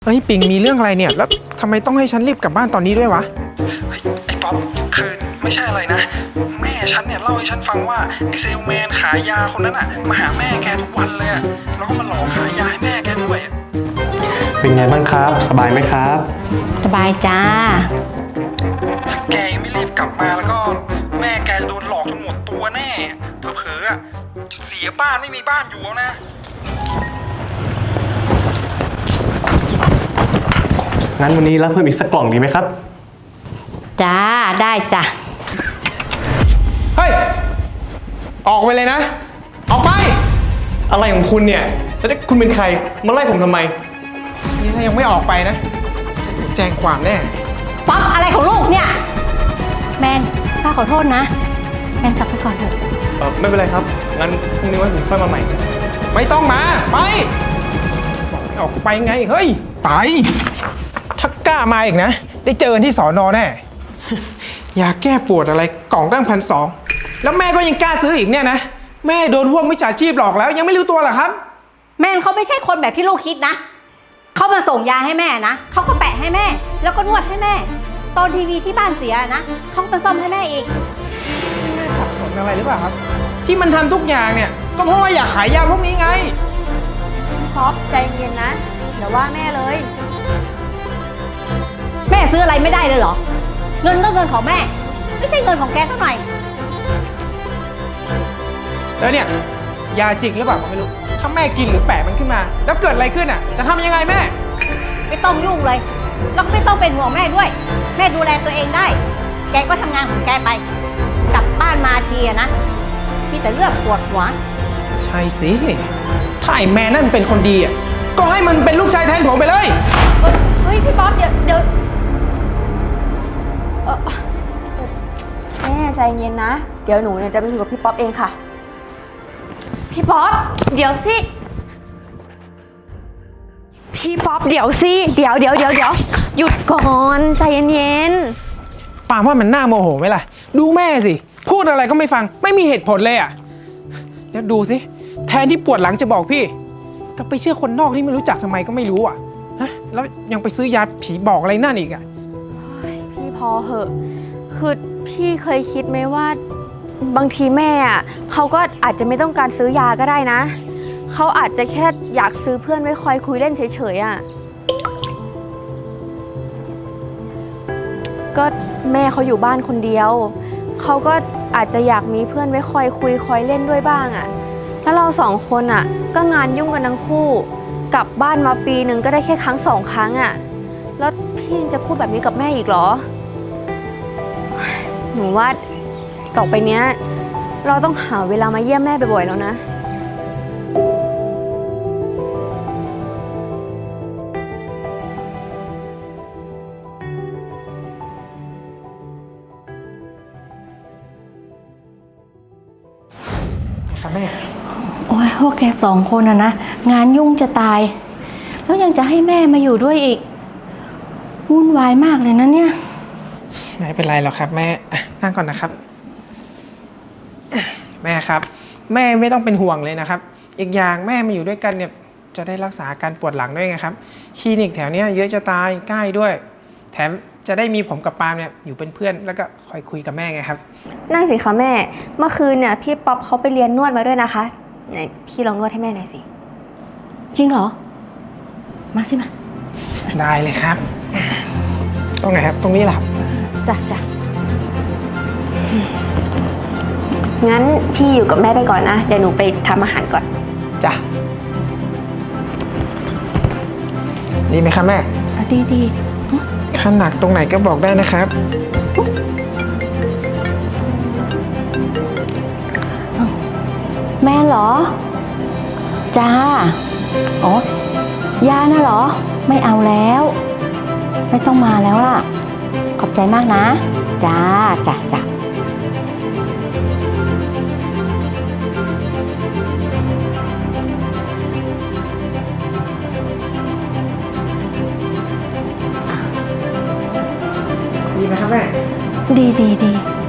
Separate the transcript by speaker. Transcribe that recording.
Speaker 1: เฮ้ยปิงมีเรื่องอะไรเนี่ยแล้วทำไมต้องให้ฉันรีบกลับบ้านตอนนี้ด้วยวะ
Speaker 2: เฮ้ยไอ้ป๊อปคือไม่ใช่อะไรนะแม่ฉันเนี่ยเล่าให้ฉันฟังว่าไอ้เซลแมนขายยาคนนั้นอะมาหาแม่แกทุกวันเลยอะแล้วก็มาหลอกขายยาให้แม่แกด้วย
Speaker 3: เป็นไงบ้างครับสบายไหมครับ
Speaker 4: สบายจ้า
Speaker 2: ถ้าแกยังไม่รีบกลับมาแล้วก็แม่แกจะโดนหลอกจนหมดตัวแน่เผลอๆอะเสียบ้านไม่มีบ้านอยู่แล้วนะ
Speaker 3: งั้นวันนี้รับเพิ่มอีกสักกล่องดีไหมครับ
Speaker 4: จ้าได้จ้ะ
Speaker 1: เฮ้ยออกไปเลยนะออกไป
Speaker 3: อะไรของคุณเนี่ยแล้วคุณเป็นใครมาไล่ผมทำไม
Speaker 1: นี่ถ้ายังไม่ออกไปนะแจ้งความแน่
Speaker 4: ป๊อปอะไรของลูกเนี่ยแมนป้าขอโทษนะแมนกลับไปก่อนเถอะ
Speaker 3: ไม่เป็นไรครับงั้นพรุ่งนี้วันผมค่อยมาใหม่
Speaker 1: ไม่ต้องมาไปบอกให้ออกไปไงเฮ้ยไปถ้ากล้ามาอีกนะได้เจอกันที่สอนอแน่ยาแก้ปวดอะไรกล่องตั้ง1,200แล้วแม่ก็ยังกล้าซื้ออีกเนี่ยนะแม่โดนพวกมิจฉาชีพหลอกแล้วยังไม่รู้ตัวเหรอครับ
Speaker 4: แมนเขาไม่ใช่คนแบบที่ลูกคิดนะเขามาส่งยาให้แม่นะเขาก็แปะให้แม่แล้วก็นวดให้แม่ตอนทีวีที่บ้านเสียนะเขาไปซ่อมให้แม่อีก
Speaker 1: แม่สับสนอะไรหรือเปล่าครับที่มันทำทุกอย่างเนี่ยก็เพราะว่าอยากขายยาพวกนี้ไง
Speaker 4: ท็อปใจเย็นนะอย่าว่าแม่เลยแม่ซื้ออะไรไม่ได้เลยเหรอเงินก็เงินของแม่ไม่ใช่เงินของแกสักหน่อย
Speaker 1: แล้วเนี่ยยาจริงหรือเปล่าก็ไม่รู้ถ้าแม่กินหรือแปะมันขึ้นมาแล้วเกิดอะไรขึ้นอ่ะจะทำยังไงแม่
Speaker 4: ไม่ต้องยุ่งเลยแล้วก็ไม่ต้องเป็นห่วงแม่ด้วยแม่ดูแลตัวเองได้แกก็ทำงานของแกไปกลับบ้านมาทีนะมีแต่เลือดปวดหัว
Speaker 1: ใช่สิถ้าไอ้แม่นั่นเป็นคนดีอ่ะก็ให้มันเป็นลูกชายแทนผมไปเลย
Speaker 4: เฮ้ยพี่ป๊อปเดี๋ยว
Speaker 5: แม่ใจเย็นนะเดี๋ยวหนูเนี่ยจะไปคุยกับพี่ป๊อปเองค่ะพี่ป๊อปเดี๋ยวสิพี่ป๊อปเดี๋ยวสิเดี๋ยวหยุดก่อนใจเย็น
Speaker 1: ปามว่ามันน่าโมโหไหมล่ะดูแม่สิพูดอะไรก็ไม่ฟังไม่มีเหตุผลเลยอ่ะแล้วดูสิแทนที่ปวดหลังจะบอกพี่ก็ไปเชื่อคนนอกที่ไม่รู้จักทำไมก็ไม่รู้อ่ะฮะแล้วยังไปซื้อยาผีบอกอะไรนั่นอีกอ่ะ
Speaker 5: พี่พอเหอะคือพี่เคยคิดไหมว่าบางทีแม่อ่ะเขาก็อาจจะไม่ต้องการซื้อยาก็ได้นะเขาอาจจะแค่อยากซื้อเพื่อนไว้คอยคุยเล่นเฉยๆอ่ะก็แม่เขาอยู่บ้านคนเดียวเขาก็อาจจะอยากมีเพื่อนไว้คอยคุยคอยเล่นด้วยบ้างอ่ะแล้วเราสองคนอ่ะก็งานยุ่งกันทั้งคู่กลับบ้านมาปีหนึ่งก็ได้แค่ครั้ง2 ครั้งอ่ะแล้วพี่จะพูดแบบนี้กับแม่อีกเหรอหนูว่าต่อไปเนี้ยเราต้องหาเวลามาเยี่ยมแม่บ่อยๆแล้วนะ
Speaker 1: ครับแม่
Speaker 4: โอ้ยพวกแก2 คนนะงานยุ่งจะตายแล้วยังจะให้แม่มาอยู่ด้วยอีกวุ่นวายมากเลยนะเนี่ย
Speaker 1: ไม่เป็นไรหรอกครับแม่นั่งก่อนนะครับแม่ครับแม่ไม่ต้องเป็นห่วงเลยนะครับอีกอย่างแม่มาอยู่ด้วยกันเนี่ยจะได้รักษาอาการปวดหลังด้วยไงครับคลินิกแถวนี้เยอะจะตายใกล้ด้วยแถมจะได้มีผมกับปาล์มเนี่ยอยู่เป็นเพื่อนแล้วก็คอยคุยกับแม่ไงครับ
Speaker 5: นั่นสิคะแม่เมื่อคืนเนี่ยพี่ป๊อปเขาไปเรียนนวดมาด้วยนะคะไหนพี่ลองนวดให้แม่หน่อยสิ
Speaker 4: จริงเหรอมาสิมา
Speaker 1: ได้เลยครับตรงไหนครับตรงนี้แหละครับ
Speaker 4: จ้ะ
Speaker 5: งั้นพี่อยู่กับแม่ไปก่อนนะเดี๋ยวหนูไปทำอาหารก่อน
Speaker 1: จ้ะดีไหมครับแม่
Speaker 4: ดี
Speaker 1: ถ้าหนักตรงไหนก็บอกได้นะครับ
Speaker 4: แม่เหรอจ้าอ๋อยาน่ะเหรอไม่เอาแล้วไม่ต้องมาแล้วล่ะขอบใจมากนะจ้า
Speaker 1: ดีไหมครับแม่
Speaker 4: ดี